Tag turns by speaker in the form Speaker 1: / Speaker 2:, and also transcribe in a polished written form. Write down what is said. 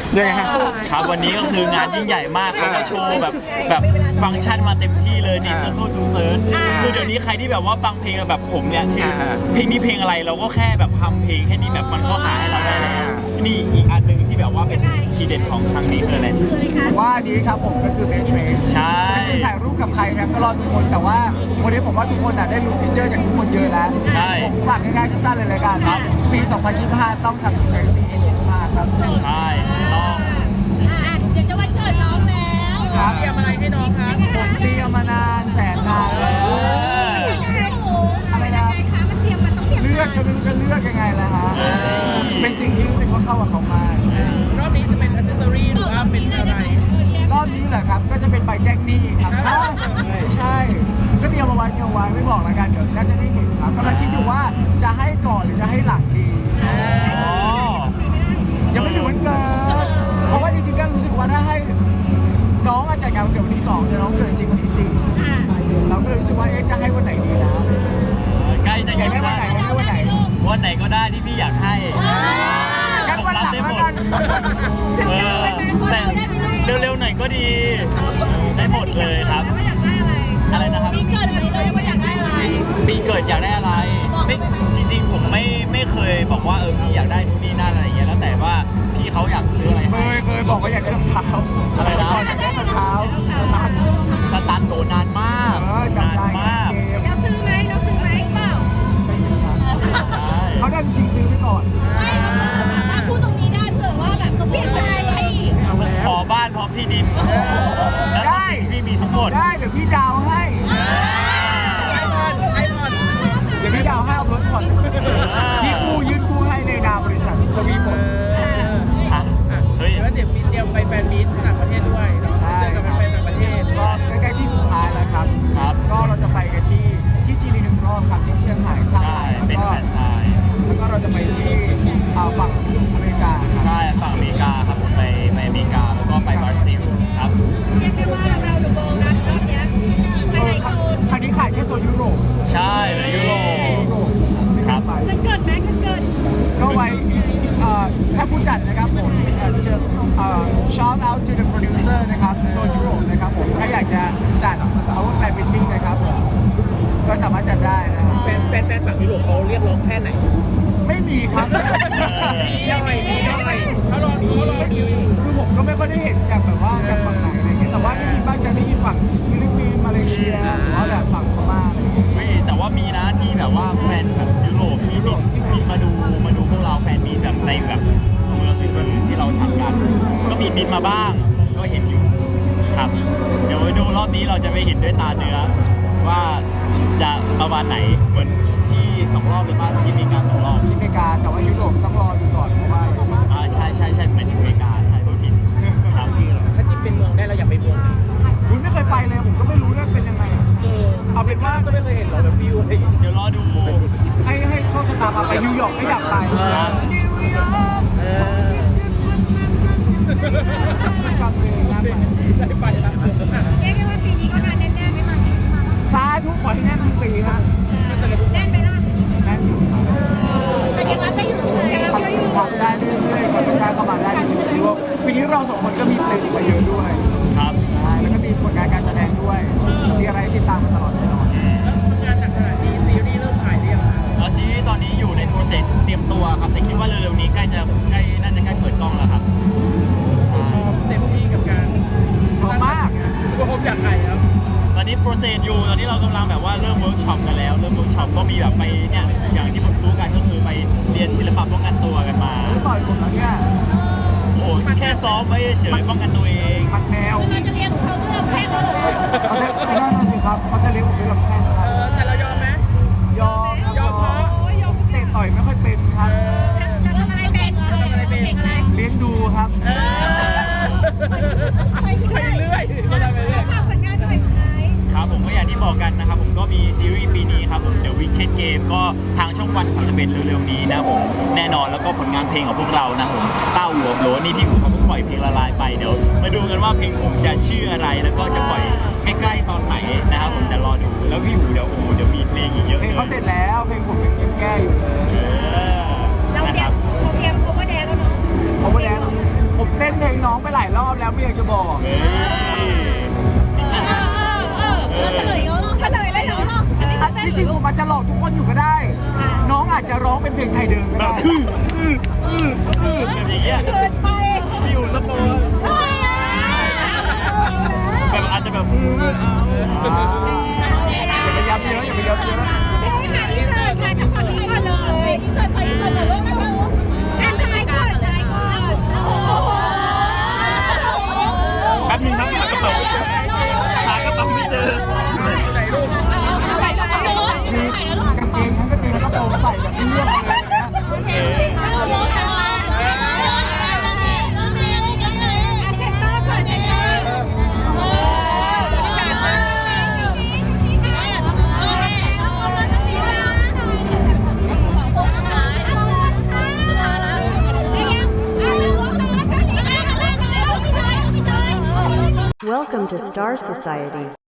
Speaker 1: ยังไงฮะ
Speaker 2: ครับวันนี้ก็คืองานยิ่งใหญ่มากเขาก็โชว์แบบฟังก์ชันมาเต็มที่เลยนี่ Circle to Search คือเดี๋ยวนี้ใครที่แบบว่าฟังเพลงแบบผมเนี่ยที่เพลงนี้เพลงอะไรเราก็แค่แบบทำเพลงแค่นี้แบบมันก็หาให้เราได้แล้วนี่อีกอันหนึ่งที่แบบว่าเป็นทีเด็ดของครั้งนี้คืออะไร
Speaker 3: ว่านี้ครับผมก็คือ Best Face
Speaker 2: ใช่
Speaker 3: ถ่ายรูปกับใครนะก็รอทุกคนแต่ว่าวันนี้ผมว่าทุกคนได้รู้ฟีเจอร์จากทุกคนเยอะแล้ว
Speaker 2: ใช่
Speaker 3: ผมฝากง่ายๆสั้นๆเลยละกัน
Speaker 2: ครับ
Speaker 3: ปี 2025 ต้อง Samsung Galaxy A25 ครับ
Speaker 2: ใช่ต้อง
Speaker 4: เดี๋ยวจะวันเกิดน้องแล้ว
Speaker 3: ครับเตรียมอะไรให้น้องครับผมเตรียมมานานแสนนานแล้ว
Speaker 4: อะไรนะคะมันเตรียมมันต้องเตรียม
Speaker 3: เลือกจะไม่รู้จะเลือกยังไงล่ะฮะเป็นสิ่งที่รู้สึกว่าเข้ากับเขามาก
Speaker 5: รอบนี้จะเป็นอัซเซสซอรี่หรือว่าเป็นอะไร
Speaker 3: รอบนี้แหละครับก็จะเป็นใบแจ้งหนี้ครับใช่ก็เตรียมเอาไว้ไม่บอกแล้วกันเดี๋ยวน่าจะได้เห็นครับกำลังคิดอยู่ว่าจะให้ก่อนหรือจะให้หลังดี
Speaker 2: อ๋อ
Speaker 3: ยังไม่ถึงวันเกิดเพราะว่าจริงๆก็รู้สึกว่าถ้าให้น้องอาจจะจัดงานวันเกิดวันที่2แต่น้องเกิดจริงวันที่4เราก็เลยรู้สึกว่าจะให้วันไหนดีนะ
Speaker 2: ใกล้จะ
Speaker 3: อยากให้วันไหนวันไหน
Speaker 2: วันไหนก็ได้ที่พี่อยากให้
Speaker 3: กันวันหลัง
Speaker 2: ได้
Speaker 3: แล้
Speaker 2: ห
Speaker 3: ว
Speaker 2: ม
Speaker 3: กั
Speaker 2: ด
Speaker 3: น
Speaker 2: แต่เร็วๆหน่อยก็ดี ได้หมดเลยครับ
Speaker 4: ว่าอยากได้อะไร
Speaker 2: อะไรนะครับ
Speaker 4: มีเกิดไปเลยว่าอยากได้อะไร
Speaker 2: ปีเกิดอยากได้อะไรไม่จริงๆผมไม่เคยบอกว่าพี่อยากได้นู่นนี่นั่นอะไรอย่างเงี้ยแล้วแต่ว่าพี่เขาอยากซื้ออะไรให้
Speaker 3: เคยบอกว่าอยากได้รองเท้า
Speaker 2: อะไรนะ
Speaker 3: อยากได้รองเท้า
Speaker 2: สตันโดนนานมาก
Speaker 3: จำ
Speaker 2: นาน
Speaker 3: ได้
Speaker 2: มาก
Speaker 4: เราซื้อไหมเปล่า
Speaker 2: ใช่
Speaker 3: เขาดันชิงซื้อไปก่อน
Speaker 4: ไม่เราสามารถพูดตรงนี้ได้เผื่อว่าแบบเขาเปลี่ยนใจให้อีก
Speaker 3: เอาแล้ว
Speaker 2: ขอบ้านพร้อมที่ดินและทรัพย์สินที่มีทั้งหมด
Speaker 3: ได้เดี๋ยวพี่ดาวให้
Speaker 5: ไอพอน
Speaker 3: เดี๋ยวพี่ดาวให้เอารถผ่อนพี่กู้ยื่นกู้ให้ในนามบริษัททวีผล
Speaker 2: ฮะเฮ้ย
Speaker 5: แล้วเดี๋ยวมีเตรียมไปแฟนมีตต่างประเทศด้วยเจอกับแฟนๆต่างประเทศ
Speaker 3: ก็ใกล้ๆที่สุดท้ายแล้วครับ
Speaker 2: ครับ
Speaker 3: ก็เราจะไปกันที่จีนอีกหนึ่งรอบครับที่เชียงราย
Speaker 2: ใช่เป็นแฟนชาย
Speaker 3: แล้วก็เราจะไปที่ฝั่งอเมริกาครับ
Speaker 2: ใช่ฝั่งอเมริกาครับผมไปอเมริกาแล้วก็ไปบราซิลครับ
Speaker 4: เรียกได้ว่าเราดูโบนะรอบเนี้ยไปไหนโซน
Speaker 3: ครั้งนี้ขายแค่โซนยุโรป
Speaker 2: ใช่เลยยุโรป ครับ
Speaker 3: ไป
Speaker 4: เกิดไหมเกิด
Speaker 3: ก็ไว้ถ้าผู้จัดนะครับผมเชิญshout out to the producer นะครับโซนยุโรปนะครับผมถ้าอยากจะจัด our fan meeting นะครับผมก็สามารถจัดได้นะครับ
Speaker 5: แฟนฝั่งยุโรปเขาเรียกร้องแค่ไหน
Speaker 3: ไม่มีครับ
Speaker 5: ย่อยเขารอดูอยู่
Speaker 3: คือผมก็ไม่ค่อยได้เห็นจากแบบว่าจากฝั่งไหนอะไรเงี้ยแต่ว่าได้ยินบ้างจะได้ยินฝั่งฟิลิปปินส์มาเลเซียหรือว่าแบบฝั่งพม่าอะไรเงี้ย
Speaker 2: เฮ้ยแต่ว่ามีนะที่แบบว่าแฟนแบบยุโรปที่บินมาดูพวกเราแฟนมีแบบในแบบเมืองอื่นๆที่เราทำกัน ก็มีบินมาบ้างก็เห็นอยู่ครับ เดี๋ยวไปดูรอบนี้เราจะไปเห็นด้วยตาเนื้อ ว่าจะประมาณไหนเหมือนที่2 รอบเลยบ้างที่อเมริกา2 รอบ
Speaker 3: ที่อเมริกาแต่ว่ายุโรปต้องรอดูก่อนเพราะว่า
Speaker 2: ใช่เหมือนอเมริกาใช่พูดผิดครับ
Speaker 5: ถ้าจิบเป็นเมืองได้เราอยากไปเมืองไหน
Speaker 3: คุณไม่เคยไปเลยผมก็ไม่รู้ว่าเป็นยังไงอะเอาเป็นว่า
Speaker 5: ก็ไม่เคยเห็นหรอแบบวิวอะไรอย่างเงี้ย
Speaker 2: เดี๋ยวรอดู
Speaker 3: ให้โชคชะตาพาไปนิวยอร์กก็อยากไป
Speaker 2: ครับ
Speaker 3: นิวยอร์กกับเพลงนะ
Speaker 5: ได้ไปแล้ว
Speaker 4: เรียกได้ว่าปีนี้ก็งานแน่ๆไม่มา
Speaker 3: สาธุขอให้แน่นทั้งปีฮะ
Speaker 4: แน่นไปล่ะ
Speaker 3: แน่นอยู่ครับ
Speaker 4: แต่ยังรับได้อยู่ใช่ไหมยังรับเยอะอยู่
Speaker 3: ทำได้เรื่อยๆคนประชาเข้ามาได้ในชีวิตที่ว่าปีนี้เรา2 คนก็มีเพลงมาเยอะด้วย
Speaker 2: ครับ
Speaker 3: ใช่แล้วก็มีผลงานการแสดงด้วยมีอะไรให้ติดตามมาตลอดแน่นอน
Speaker 5: แล้วทำงานหนักขนาดนี้ซีรีส์เริ่มถ่ายหรือยังคะ
Speaker 2: ซีรีส์ตอนนี้อยู่ในโปรเซสเตรียมตัวครับ แต่คิดว่าเร็วๆนี้น่าจะใกล้เปิดกล้องแล้วครับใช่
Speaker 5: เต็มที่กับการ
Speaker 3: พร้อมมาก
Speaker 5: ก็ผมอยากถ่ายครับ
Speaker 2: ตอนนี้โปรเซสอยู่ตอนนี้เรากำลังแบบว่าเริ่มเวิร์กช็อปกันแล้วเริ่มเวิร์กช็อปก็มีแบบไปเนี่ยอย่างที่ผมรู้กันก็คือไปเรียนศิลปะป้องกันตัวกันมา
Speaker 3: ไม่ต่อยผมแล้วเนี่ย
Speaker 2: โอ้โหแค่ซ้อมไว้เฉยๆป้องกันตัวเอง
Speaker 3: มันแมว
Speaker 4: เราจะเลี้ยงเขาด้วยลำแข้งเขาเลย
Speaker 3: เขาจะไม่ได้นะสิครับเขาจะเลี้ยงผมด้วยลำแข้งครับ
Speaker 5: แต่เรายอมไหม
Speaker 3: ยอม
Speaker 5: ยอมเพราะ
Speaker 4: โอ้ยยอม
Speaker 3: เตะต่อยไม่ค่อยเป็นครับ
Speaker 4: จะทำอะไรเป็นอะไรเป็นอะไร
Speaker 3: เลี้ยงดูครับ
Speaker 4: ไปเรื่อยแล้วฝากผลงานด้วยสุดท้าย
Speaker 2: ครับผมก็อย่างที่บอกกันนะครับผมก็มีซีรีส์ปีนี้ครับผม The Wicked Game ก็ทางช่องวัน31เร็วๆนี้นะครับผมแน่นอนแล้วก็ผลงานเพลงของพวกเรานะครับผมเต้าหัวโหลนี่ที่ผมเขาเพิ่งปล่อยเพลงละลายไปเดี๋ยวมาดูกันว่าเพลงผมจะชื่ออะไรแล้วก็จะปล่อยใกล้ๆตอนไหนนะครับผมแต่รอดูแล้วพี่หูเดี๋ยวมีเพลงอีกเยอะ
Speaker 3: เพ
Speaker 2: เล
Speaker 3: ล
Speaker 2: ย
Speaker 3: งเขาเสร็จแล้วเพลงผมยังแก้อยู่
Speaker 2: เออ
Speaker 4: เรา
Speaker 2: นะ
Speaker 4: เตรี
Speaker 2: ค
Speaker 4: ย
Speaker 2: รั
Speaker 4: ม
Speaker 2: บ
Speaker 4: เราเตรียม cover dance แล้วเนาะ
Speaker 3: เขาก็แล้วผมเต้นเพลงน้องไปหลายรอบแล้วไม่อยากจะบอก
Speaker 2: เฮ้ยจริง
Speaker 4: เราเฉลยแล้วเฉลยเลยเหรออันนี้
Speaker 3: อั
Speaker 4: เขา
Speaker 3: น
Speaker 4: เต้น
Speaker 3: ที่
Speaker 4: ห
Speaker 3: จ
Speaker 4: รื
Speaker 3: ริ
Speaker 4: อง
Speaker 3: ผมอาจจะหลอกทุกคนอยู่ก็ได้ น้องอาจจะร้องเป็นเพลงไทยเดิม
Speaker 2: ๆ
Speaker 3: ก็
Speaker 2: แบ
Speaker 3: ได้
Speaker 2: บแบบอย่างเงี้ย
Speaker 4: เกินไป
Speaker 2: พี่อยู่สปอยแบบอาจจะแบบ
Speaker 3: อย่าไปย้ำเยอะอย่าไปย้ำเยอะ
Speaker 4: อินเสิร์ตค่ะจากฝั่งนี้ก่อนเลยอินเสิร์ตก่อนอินเสิร์ตก่อนลูกนะคะอ่ะซ้ายก่อนซ้ายก่อนโอ้โห
Speaker 2: แป๊บนึงครับหากระเป๋าหากระเป๋าไม่เจอ
Speaker 4: ไปแล้วไปแล้ว
Speaker 3: มีกางเกงทั้งกางเกงแล้วก็โปรงใส่แบบเลือกเลยนะ
Speaker 2: โอเค
Speaker 4: เซ็นเตอร์ก่อนเซ็นเตอร์เดี๋ยวการมาสุดท้ายแล้ว
Speaker 1: Welcome to Star Society.